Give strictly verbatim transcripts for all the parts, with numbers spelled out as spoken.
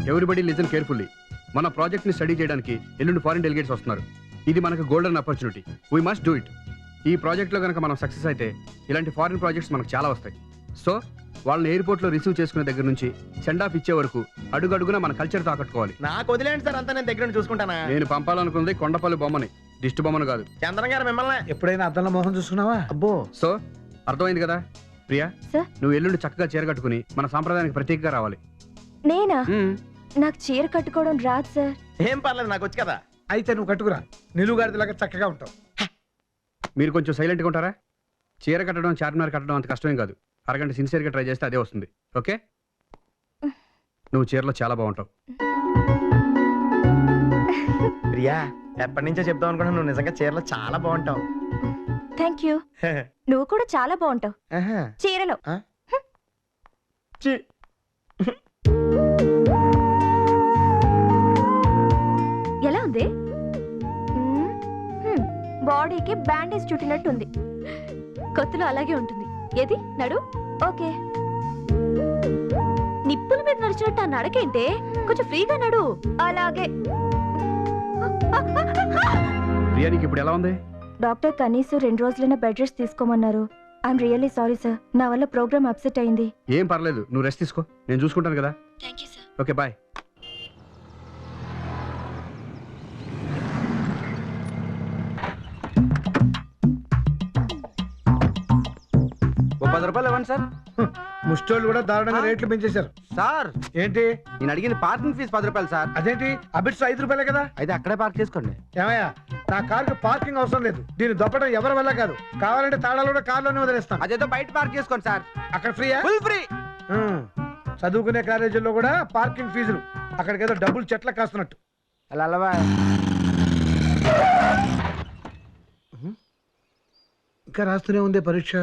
Everybody listen carefully. మన project ని study చేయడానికి ఎల్లుండి ఫారిన్ డెలిగేట్స్ వస్తున్నారు. ఇది మనకు golden opportunity. We must do it. ఈ ప్రాజెక్ట్లో కనుక మనం సక్సెస్ అయితే ఇలాంటి ఫారిన్ ప్రాజెక్ట్స్ మనకు చాలా వస్తాయి. సో వాళ్ళని ఎయిర్పోర్ట్లో రిసీవ్ చేసుకునే దగ్గర నుంచి సెండ్ ఆఫ్ ఇచ్చే వరకు అడుగడుగునా మన కల్చర్ తాకట్టుకోవాలి. నాకు వదిలేండి సార్, అంతా నేను దగ్గర నుండి చూసుకుంటానా. నేను పంపాలనుకుంది కొండపల్లి బొమ్మని, దిష్టి బొమ్మను కాదు. చంద్రం గారు మిమ్మల్ని ఎప్పుడైనా అద్దంలో మోహం చూసుకున్నావా? అబ్బో. సో అర్థమైంది కదా ప్రియా, సార్ నువ్వు ఎల్లుండి చక్కగా చీర కట్టుకుని మన సాంప్రదాయానికి ప్రత్యేకంగా రావాలి. నేనా? నాకు చీర కట్టుకోవడం రాదు సార్. ఏం పర్లేదు, నాకు వచ్చి కదా. అయితే నువ్వు కట్టుకురా, నిలువుగాడిలాగా చక్కగా ఉంటావు. మీరు కొంచెం సైలెంట్గా ఉంటారా? చీర కట్టడం, చార్మినార్ కట్టడం అంత కష్టమేం కాదు. అరగంట సిన్సియర్గా ట్రై చేస్తే అదే వస్తుంది. ఓకే, నువ్వు చీరలో చాలా బాగుంటావు. ప్రియా, ఎప్పటి నుంచో చెప్తావు అనుకున్నా, నువ్వు నిజంగా చీరలో చాలా బాగుంటావు. Thank you. నువ్వు కూడా చాలా బాగుంటావు చీరలో. ఎలా ఉంది? బాడీకి బ్యాండేజ్ చుట్టినట్టుంది. కొత్తలో అలాగే ఉంటుంది. ఏది నడు? ఓకే. నిప్పుల మీద నడిచినట్టు ఆ నడకేంటే? కొంచెం ఫ్రీగా నడు. అలాగే. ప్రియానికి ఇప్పుడు ఎలా ఉంది? డాక్టర్ కనీసం రెండు రోజులైనా బెడ్ రెస్ట్ తీసుకోమన్నారు. ఐఎమ్ రియల్లీ సారీ సార్, నా వల్ల ప్రోగ్రామ్ అప్సెట్ అయింది. ఏం పర్లేదు, నువ్వు రెస్ట్ తీసుకో, నేను చూసుకుంటాను కదా. Thank you sir. Okay, bye. పది రూపాయలు ఇవ్వండి సార్. ముష్టోళ్ళు కూడా దారుణంగా రేట్లు పెంచేశారు సార్ ఏంటి? నేను అడిగిన పార్కింగ్ ఫీజు పది రూపాయలు సార్. అదేంటి అబిట్స్ ఐదు రూపాయలే కదా? అయితే అక్కడే పార్క్ చేసుకోండి. ఏమయ్యా, నా కారుకి పార్కింగ్ అవసరం లేదు. దీన్ని దొప్పడం ఎవరి వల్ల కాదు. కావాలంటే తాళాలు కూడా కార్లోనే వదిలేస్తాను. అదేదో బయట పార్క్ చేసుకోండి సార్. అక్కడ ఫ్రీయా? Full free. చదువుకునే కాలేజీల్లో కూడా పార్కింగ్ ఫీజులు. అక్కడికి ఏదో డబ్బులు చెట్ల కాస్తున్నట్టు. అలా అలవా. ఇంకా రాస్తూనే ఉంది పరీక్ష.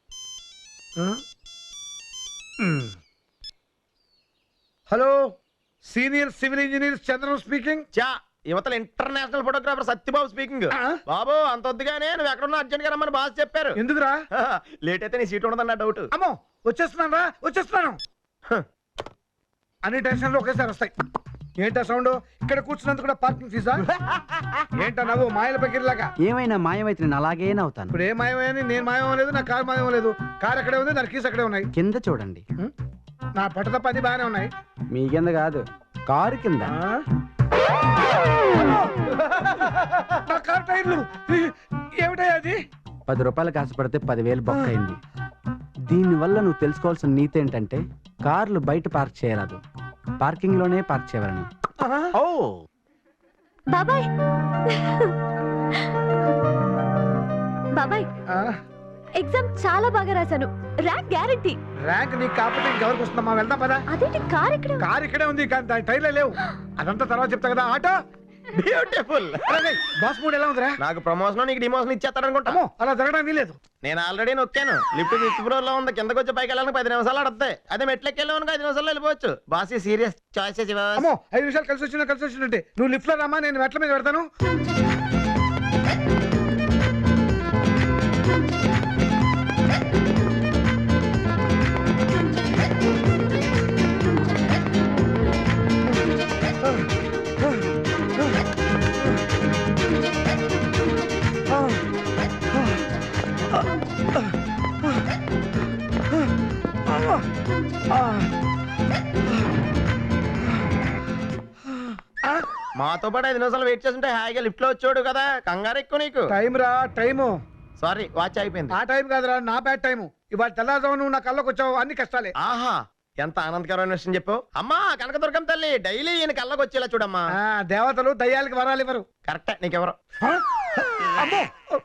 Hello, senior civil engineer Chandram speaking. చా యువతల ఇంటర్నేషనల్ ఫోటోగ్రాఫర్ సత్యబాబు స్పీకింగ్. బాబు, అంత వద్దుగానే నువ్వు ఎక్కడున్నా అర్జెంట్ గా రమ్మని బాస్ చెప్పారు. ఎందుకురా? లేట్ అయితే నీ సీట్ ఉండదన్న డౌట్. అమ్మో, వచ్చేస్తున్నాను రా, వచ్చేస్తున్నాను. అన్ని టెన్షన్లు ఒకేసారి వస్తాయి. ఏంటా సౌండ్? ఇక్కడ కూర్చున్నందుకు కూడా పార్కింగ్ ఫీజా? ఏంటా నవ్వు మాయల పగిరిలాగా? ఏమైనా మాయమైతే నేను అలాగే అవుతాను. ఇప్పుడు ఏ మాయమని? నేను మాయం లేదు, నా కారు మాయం లేదు. కారు అక్కడే ఉంది, దాని కీస్ అక్కడే ఉన్నాయి. కింద చూడండి. నా పట్ట తప్ప అది బాగానే ఉన్నాయి. మీ కింద కాదు, కారు కింద. నా కారు టైర్లు ఏమిటాయి? అది పది రూపాయలు కాసుపడితే పదివేలు బొక్క అయింది. దీనివల్ల నువ్వు తెలుసుకోవాల్సిన నీతి ఏంటంటే కార్లు బయట పార్క్ చేయరాదు, పార్కింగ్ లోనే పార్క్ చేయవలను. ఓ బాబాయ్, బాబాయ్ ఎగ్జామ్ చాలా బాగా రాశాను. Rank guarantee. ర్యాంక్ నీకు కాకపోతే ఇంకెవరికి వస్తుందమ్మా? వెళ్దాం పదా. అదేంటి కార్ ఇక్కడ? కారు ఇక్కడే ఉంది, కానీ దాని టైర్లే లేవు. అదంతా తర్వాత చెప్తా కదా. Auto beautiful. బాస్ మూడ్ ఎలా ఉందిరా? నాకు ప్రమోషన్, నీకు డిమోషన్ ఇచ్చేస్తారనుకుంటా. అలా జరగడానికి లేదు. నేను ఆల్రెడీ నొక్కాను. లిఫ్ట్ ఫిఫ్త్ ఫ్లోర్ లో ఉంది. కిందకి వచ్చి పైకి వెళ్ళడానికి పది నిమిషాలు అడతాయి. అదే మెట్లకి వెళ్ళాను ఐదు నిమిషాల్లో వెళ్ళిపోవచ్చు. Boss serious choice. అమ్మో, ఐదు నిమిషాలు కలిసి వచ్చిన కలిసి వచ్చినట్టే. నువ్వు లిఫ్ట్ లో రామా, నేను మెట్ల మీద పెడతాను. మాతో పాటు ఐదు నిమిషాలు వెయిట్ చేస్తుంటే హాయిగా లిఫ్ట్ లో వచ్చాడు కదా. కంగారు ఎక్కువ నీకు. టైం రా, టైము. సారీ, వాచ్ అయిపోయింది. ఆ టైం కాదురా, నా బ్యాడ్ టైము. ఇవాళ తెల్లారుజాము నువ్వు నా కళ్ళకి వచ్చావు, అన్ని కష్టాలే. ఆహా, ఎంత ఆనందకరమైన విషయం చెప్పావు. అమ్మా కనకదుర్గం తల్లి, డైలీ ఈయన కళ్ళకి వచ్చేలా చూడమ్మా. దేవతలు దయ్యాలకి వరాలు ఇవ్వరు. కరెక్టే, నీకెవరు? అమ్మో,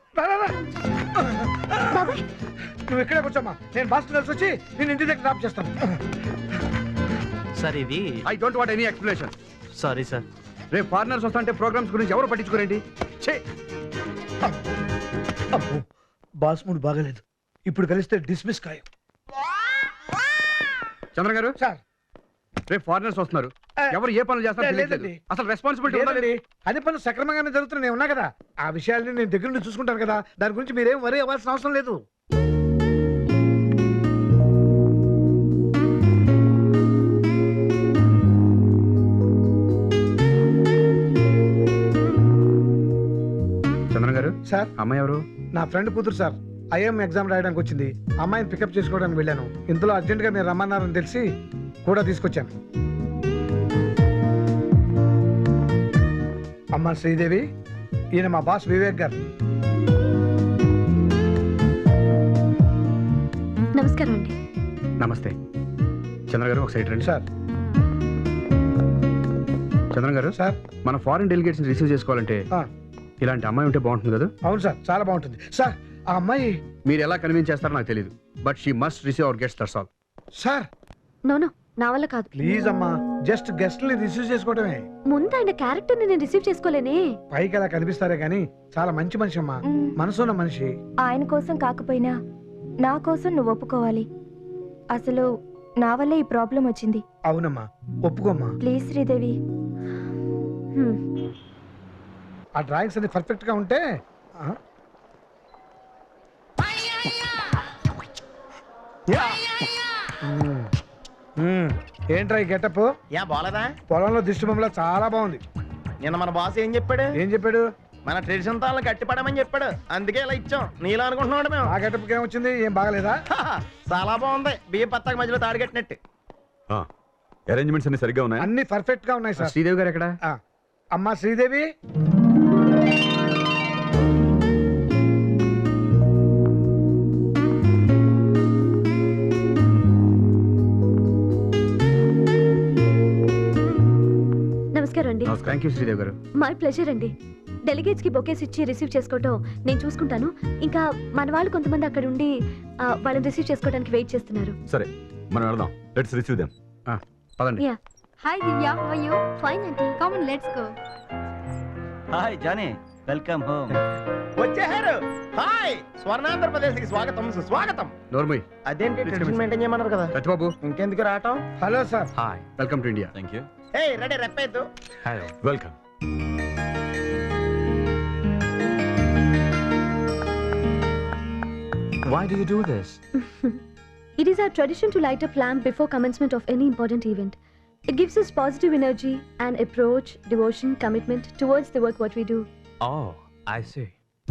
నువ్వు ఇక్కడే కూర్చోమ్మా. నేను బస్ కలిసి వచ్చి నేను ఇంటి దగ్గర డ్రాప్ చేస్తాను. సార్ ఇది I don't want any explanation. Sorry sir. రేపు ఫారినర్స్ వస్తుంటే ప్రోగ్రామ్స్ గురించి ఎవరు పట్టించుకోరేంటి? అబ్బో, బాస్ మూడ్ బాగలేదు. ఇప్పుడు కలిస్తే డిస్మిస్ ఖాయం. చంద్ర గారు సార్, రేపు ఫారినర్స్ వస్తున్నారు. ఎవరు ఏ పనులు చేస్తారు లేదండి. అసలు రెస్పాన్సిబిలిటీ ఉండాలి. అన్ని పనులు సక్రమంగానే జరుగుతున్నాయి, ఉన్నా కదా. ఆ విషయాన్ని నేను దగ్గర నుంచి చూసుకుంటాను కదా. దాని గురించి మీరేం వరీ అవ్వాల్సిన అవసరం లేదు. సార్ అమ్మాయి ఎవరు? నా ఫ్రెండ్ కూతురు సార్. ఐఎం ఎగ్జామ్ రాయడానికి వచ్చింది. అమ్మాయిని పికప్ చేసుకోవడానికి వెళ్ళాను. ఇంతలో అర్జెంటుగా మీరు రమ్మన్నారని తెలిసి కూడా తీసుకొచ్చాను. అమ్మ శ్రీదేవి, ఈయన మా బాస్ వివేక్ గారు. నమస్కారం అండి. నమస్తే. చంద్ర గారు ఒక సైడ్ రండి. సార్ చంద్ర గారు, సార్ మన ఫారిన్ డెలిగేట్స్ రిసీవ్ చేసుకోవాలంటే ఆ, ఇలాంటి అమ్మాయి ఉంటే బాగుంటుంది కదా? అవును సార్, చాలా బాగుంటుంది సార్. ఆ అమ్మాయి మీరు ఎలా కన్విన్స్ చేస్తారో నాకు తెలియదు, but she must receive our guest, that's all. Sir no no, నా వల్ల కాదు. ప్లీజ్ అమ్మా, జస్ట్ గెస్ట్ని రిసీవ్ చేసుకోవటమే. ముందు ఆయన క్యారెక్టర్ ని నేను రిసీవ్ చేసుకోలేనే. పైకి అలా కనిపిస్తారే గానీ చాలా మంచి మనిషి అమ్మా, మ్, మనసున్న మనిషి. ఆయన కోసం కాకపోయినా నా కోసం నువ్వు ఒప్పుకోవాలి. అసలు నా వల్లే ఈ ప్రాబ్లం వచ్చింది. అవునమ్మా, ఒప్పుకోమ్మా. ప్లీజ్ శ్రీదేవి. హ్మ్. ఆ డ్రాయింగ్స్ అన్ని పర్ఫెక్ట్ గా ఉంటే ఆ, మ్, మ్, ఏంట్రా ఈ గెటప్? యా బాలేదా? పొలంలో దిష్టి బొమ్మలా చాలా బాగుంది. నిన్న మన బాస్ ఏం చెప్పాడు? ఏం చెప్పాడు? మన ట్రెడిషన్ తాళ్ళని గట్టిపడమని చెప్పాడు. అందుకే ఇలా ఇచ్చాం. నీలా అనుకుంటున్నాడు మేము. ఆ గెటప్ ఏమొచ్చింది? ఏం బాగలేదా? హాహా, చాలా బాగుంది. బియ్య పత్తాక మధ్యలో తాడు కట్టినట్టు. అరేంజ్మెంట్స్ అన్ని సరిగ్గా ఉన్నాయి. అన్ని పర్ఫెక్ట్ గా ఉన్నాయి సార్. శ్రీదేవి గారు ఎక్కడ? ఆ, అమ్మా శ్రీదేవి, నమస్కారం అండి. థ్యాంక్ యూ శ్రీదేవి గారు. మై ప్లెజర్ అండి. డెలిగేట్స్ కి బొకేస్ ఇచ్చి రిసీవ్ చేసుకోవటం నేను చూసుకుంటాను. ఇంకా మన వాళ్ళు కొంతమంది అక్కడ ఉండి ఆ, వాళ్ళని రిసీవ్ చేసుకోవడానికి వెయిట్ చేస్తున్నారు. సరే మనం వెళ్దాం. Let's receive them. పదండి. Yeah. Hi Divya, how are you? Fine aunty. Come on, let's go. Hi Johnny, welcome home. వచ్చేసారు. హాయ్, స్వర్ణాంధ్రప్రదేశ్ కి స్వాగతం సుస్వాగతం. నోర్మయ్. అదేంటి ట్రెడిషన్ మెయింటైన్ చేయమన్నారు కదా? సత్యబాబు. ఇంకెందుకు రావటం? Hello sir. Hi, welcome to India. Thank you. ఏయ్ రెడీ, రెప్పేద్దు. Hello. Welcome. Why do you do this? It is our tradition to light up lamp before commencement of any important event. It gives us positive energy and approach, devotion, commitment towards the work what we do. Oh, I see.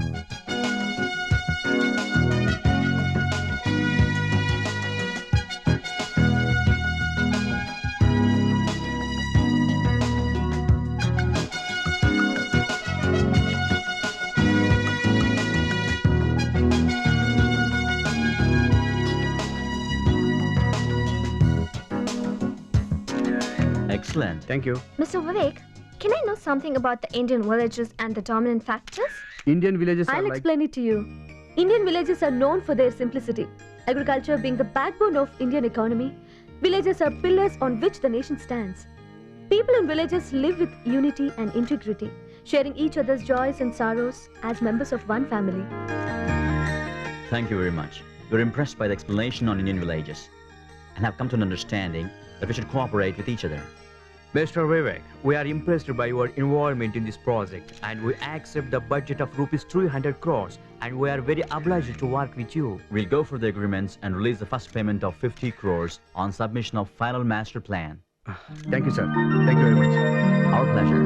Excellent. Thank you. Mister Vivek, can I know something about the Indian villages and the dominant factors? Indian villages are I'll like explain it to you. Indian villages are known for their simplicity. Agriculture being the backbone of Indian economy, villages are pillars on which the nation stands. People in villages live with unity and integrity, sharing each other's joys and sorrows as members of one family. Thank you very much. We're impressed by the explanation on Indian villages and have come to an understanding that we should cooperate with each other. Mister Vivek, we are impressed by your involvement in this project and we accept the budget of rupees three hundred crores and we are very obliged to work with you. We'll go for the agreements and release the first payment of fifty crores on submission of final master plan. Thank you sir. Thank you very much. Our pleasure.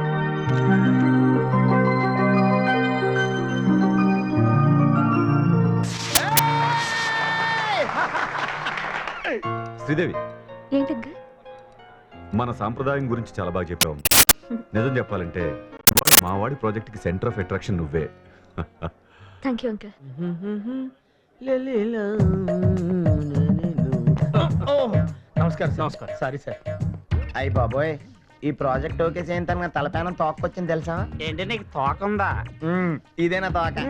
Sridevi, ఏంటంగా? మన సాంప్రదాయం గురించి చాలా బాగా చెప్పావు. నిజం చెప్పాలంటే మా వాడి ప్రాజెక్ట్ కి సెంటర్ ఆఫ్ అట్రాక్షన్ నువ్వే. Thank you uncle. నమస్కారం నమస్కారం. Sorry sir. అయ్యి బాబోయ్, ఈ ప్రాజెక్ట్ ఓకే చేయంత తలపైన తోకొచ్చింది తెలుసా? ఏంటి నీకు తోకుందా? మ్మ్, ఇదేనా తోక?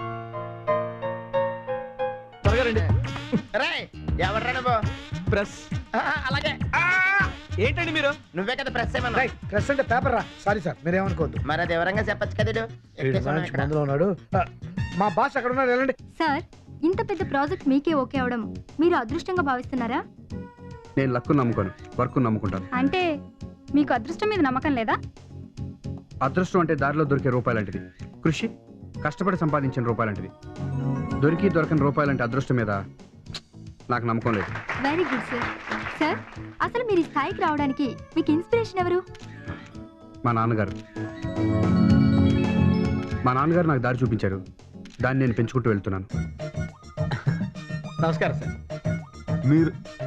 త్వరగా రండి. రేయ్, ఎవర్రా నువ్వు? ప్రెస్. ఆ, అలాగే. ఏంటండి మీరు? నువ్వే కదా ప్రెస్ ఏమన్నా? రైట్, ప్రెస్ అంటే పేపర్ రా. సారీ సార్, మీరేమనుకోవద్దు. మరి అది వివరంగా చెప్పచ్చు కదా ఈడు. వీడు ఎక్కేసాను మంచి ఇక్కడ. మందులో ఉన్నాడు. ఆ, మా బాస్ అక్కడ ఉన్నాడు, వెళ్ళండి. సార్, ఇంత పెద్ద ప్రాజెక్ట్ మీకే ఓకే అవడం మీరు అదృష్టంగా భావిస్తున్నారా? నేను లక్కు నమ్ముకోను, వర్క్ నమ్ముకుంటాను. అంటే మీకు అదృష్టం మీద నమ్మకం లేదా? అదృష్టం అంటే దారిలో దొరికే రూపాయలంటిది. కృషి కష్టపడి సంపాదించిన రూపాయలంటిది. దొరికి దొరకని రూపాయలంటే అదృష్టం మీద నాకు నమ్మకం లేదు. Very good sir. సార్, అసలు మీరు ఈ స్థాయికి రావడానికి మీకు ఇన్స్పిరేషన్ ఎవరు? మా నాన్నగారు. మా నాన్నగారు నాకు దారి చూపించారు, దాన్ని నేను పెంచుకుంటూ వెళ్తున్నాను. నమస్కారం సార్. మీరు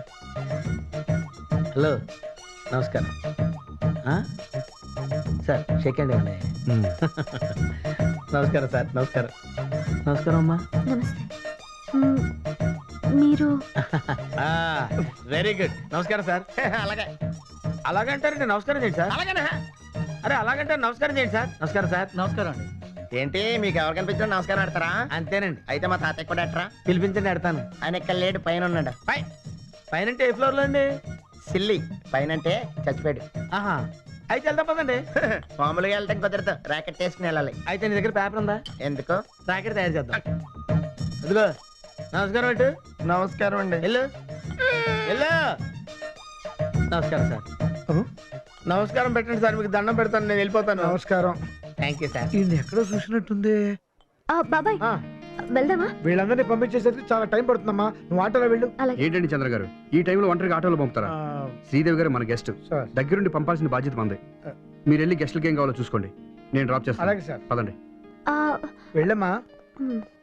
హలో నమస్కారం. ఆ? సార్ సెకండ్ ఇవ్వండి. నమస్కారం సార్. నమస్కారం. నమస్కారం అమ్మా. నమస్తే. మ్మ్, మీరు వెరీ గుడ్. నమస్కారం సార్. అలాగే అలాగంటారండి. నమస్కారం చేయండి సార్. అలాగే అరే అలాగంటారు. నమస్కారం చేయండి సార్. నమస్కారం సార్. నమస్కారం అండి. ఏంటి మీకు ఎవరు కనిపించినా నమస్కారం ఆడతారా? అంతేనండి. అయితే మా తాతయ్య కూడా ఆడతారా? పిలిపించండి ఆడతాను. ఆయన ఇక్కడ లేడు, పైన ఉన్నాడు. పై పైన అంటే ఏ ఫ్లోర్ లో అండి? సిల్లి. పైన అంటే చచ్చిపోయాడు. ఆహా అయితే వెళ్దాం పదండి. మామూలుగా వెళ్తాం కుదరదు, ర్యాకెట్ వేసుకుని వెళ్ళాలి. అయితే నీ దగ్గర పేపర్ ఉందా? ఎందుకు? ర్యాకెట్ తయారు చేద్దాం. అదిగో నమస్కారం అండి. నమస్కారం అండి. వెళ్ళు వెళ్ళు. నమస్కారం సార్. నమస్కారం పెట్టండి సార్. మీకు దండం పెడతాను, నేను వెళ్ళిపోతాను. నమస్కారం. Thank you sir. ఈయన ఎక్కడో చూసినట్టుంది. ఆ, బాబాయ్ ఆ, వెళ్దామా? వీళ్ళందరినీ పంపించేసరికి చాలా టైం పడుతుందమ్మా. నువ్వు ఆటోలో వెళ్ళు. అలాగే. ఏంటండి చంద్ర గారు, ఈ టైంలో ఒంటరిగా ఆటోలో పంపుతారా? ఆ, శ్రీదేవి గారు మన గెస్ట్, సార్. దగ్గరుండి పంపాల్సిన బాధ్యత మంది. మీరు వెళ్ళి గెస్ట్లకి ఏం కావాలో చూసుకోండి, నేను డ్రాప్ చేస్తాను. అలాగే సార్. పదండి. ఆ, వెళ్ళమ్మా. మ్మ్.